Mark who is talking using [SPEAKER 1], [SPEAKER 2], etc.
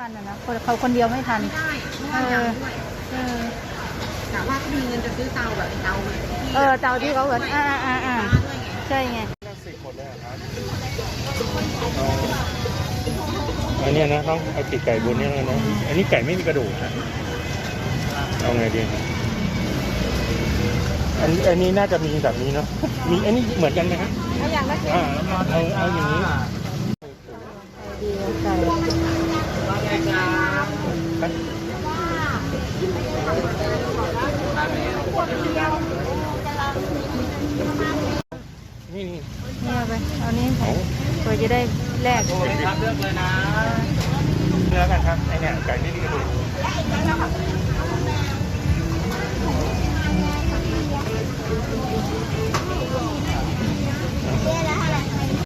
[SPEAKER 1] ทันนะเขาคนเดียวไม่ทัน
[SPEAKER 2] ไม่ได้เพราะว่ายังด้วยแต่ว่าเขามีเงินจะซื้อเตาแบบเตาแบบ
[SPEAKER 1] เตาที่เขาเหมือนใช่ไง
[SPEAKER 3] 10หมดเลยครับอันนี้นะต้องเอาติดไก่บนนี้แล้วนะอันนี้ไก่ไม่มีกระดูกนะเอาไงดีอันนี้น่าจะมีแบบนี้เนาะมีอันนี้เหมือนกันไหมครับ
[SPEAKER 1] เอาอย่างละ
[SPEAKER 3] เอาอย่างนี้
[SPEAKER 1] ดีไก่
[SPEAKER 3] นี่
[SPEAKER 1] เอาไปเอานี้เพื่อจะได้แลก
[SPEAKER 3] เลือกเลยนะเนื้อกันครับไอเนี่ยไก่ไม่มีกระดูก